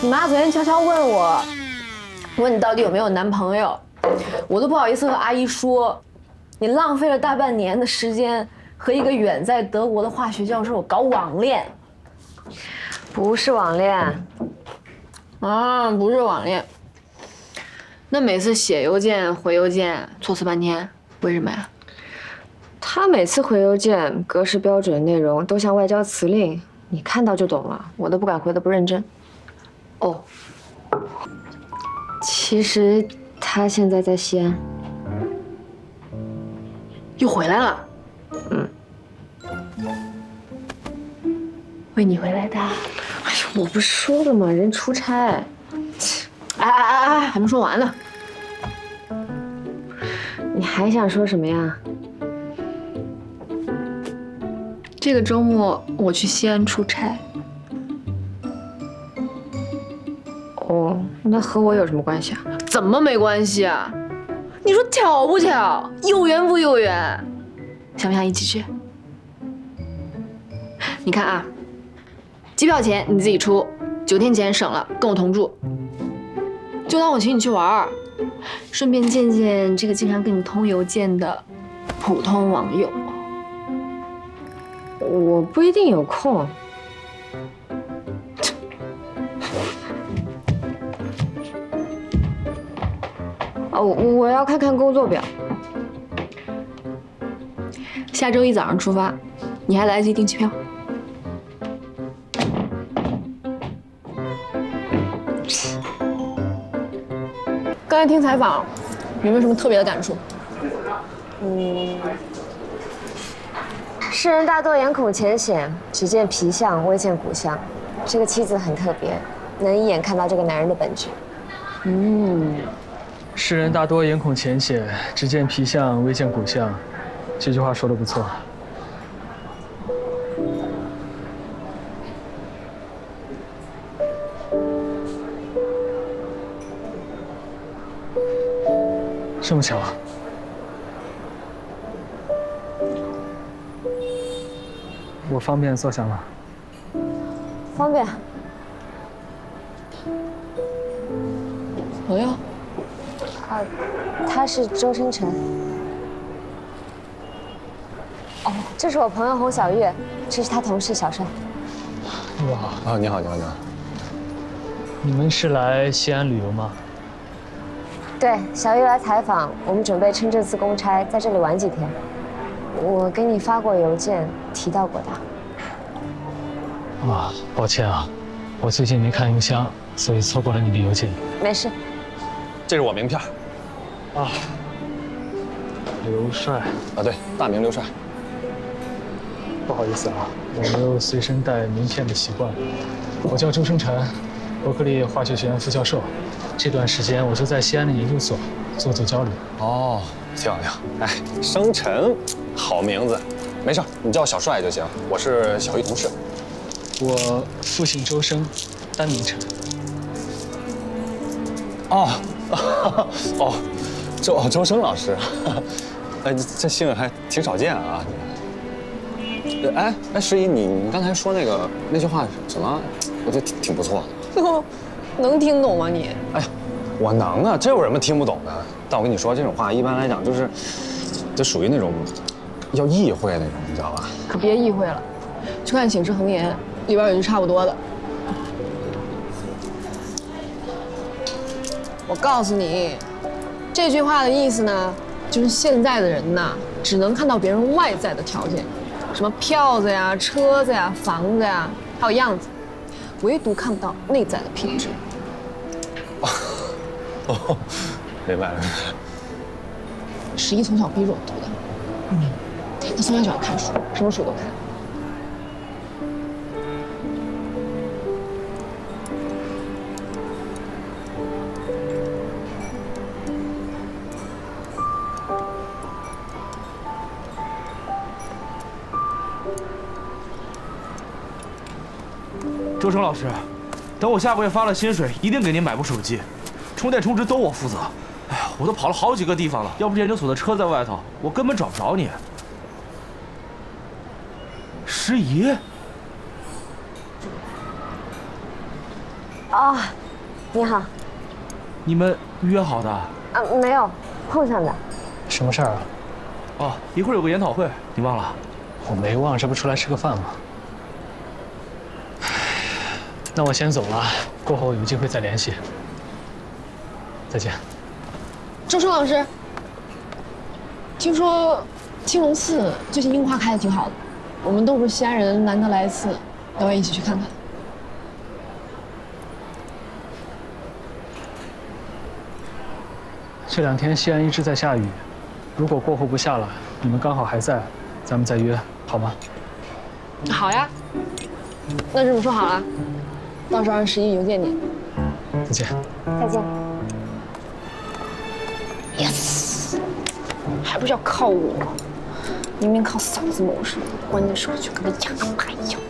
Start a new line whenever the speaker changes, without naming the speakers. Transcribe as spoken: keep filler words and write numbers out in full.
你妈昨天悄悄问我，问你到底有没有男朋友，我都不好意思和阿姨说，你浪费了大半年的时间和一个远在德国的化学教授搞网恋。
不是网恋，
啊，不是网恋。那每次写邮件、回邮件措辞半天，为什么呀？
他每次回邮件格式标准，内容都像外交辞令，你看到就懂了，我都不敢回得不认真。哦，其实他现在在西安，
又回来了。
嗯，
为你回来的。
哎呦，我不是说了吗？人出差。
哎哎哎哎，还没说完呢。
你还想说什么呀？
这个周末我去西安出差。
哦，那和我有什么关系啊？
怎么没关系啊？你说巧不巧？有缘不有缘？想不想一起去？你看啊，机票钱你自己出，酒店钱省了，跟我同住。就当我请你去玩儿，顺便见见这个经常跟你通邮件的普通网友。
我不一定有空。哦，我要看看工作表。
下周一早上出发，你还来得及订机票。刚才听采访，有没有什么特别的感触？
嗯，世人大多眼孔浅显，只见皮相，未见骨相。这个妻子很特别，能一眼看到这个男人的本质。
嗯，世人大多眼孔浅显，只见皮相，未见骨相。这句话说得不错。这么巧啊！我方便坐下吗？
方便。
朋友？
啊，他是周生辰。哦，这是我朋友洪小月，这是他同事小帅。
哇
啊，你好，你好，你好。
你们是来西安旅游吗？
对，小月来采访，我们准备趁这次公差在这里玩几天。我给你发过邮件，提到过他。
啊，抱歉啊，我最近没看邮箱，所以错过了你的邮件。
没事。
这是我名片。
啊，刘帅。
啊，对，大名刘帅。
不好意思啊，我没有随身带名片的习惯。我叫周生辰，伯克利化学学院副教授。这段时间我就在西安的研究所做做交流。
哦，挺好挺好。哎，生辰，好名字。没事，你叫我小帅就行。我是小玉同事。
我父姓周生，单名辰。
哦，哦，周哦周生老师，哎，这姓还挺少见啊。哎哎，诗怡，你你刚才说那个那句话什么？我觉得挺挺不错的。
能听懂吗你？
哎呀，我能啊，这有什么听不懂的？但我跟你说，这种话一般来讲就是，这属于那种要意会那种，你知道吧？
可别意会了，去看《醒世恒言》，里边有句差不多的。我告诉你，这句话的意思呢，就是现在的人呐，只能看到别人外在的条件，什么票子呀、车子呀、房子呀，还有样子，唯独看不到内在的品质。
哦，明白了。
十一从小逼着我读的，嗯，他从小喜欢看书，什么书都看。
周成老师，等我下个月发了薪水，一定给您买部手机，充电充值都我负责。哎呀，我都跑了好几个地方了，要不是研究所的车在外头，我根本找不着你。诗怡，
哦，你好。
你们约好的？
啊，没有，碰上的。
什么事儿啊？
哦，一会儿有个研讨会，你忘了？
我没忘，这不出来吃个饭吗？那我先走了，过后有机会再联系。再见。
周生老师，听说青龙寺最近樱花开的挺好的，我们都是西安人，难得来一次，要不要一起去看看？
这两天西安一直在下雨，如果过后不下了，你们刚好还在，咱们再约，好吗？
好呀，那这么说好了，到时候让十一邮件你。
再见。
再见。
Yes， 还不是要靠我？明明靠嫂子谋生，关键时候就跟个哑巴一样。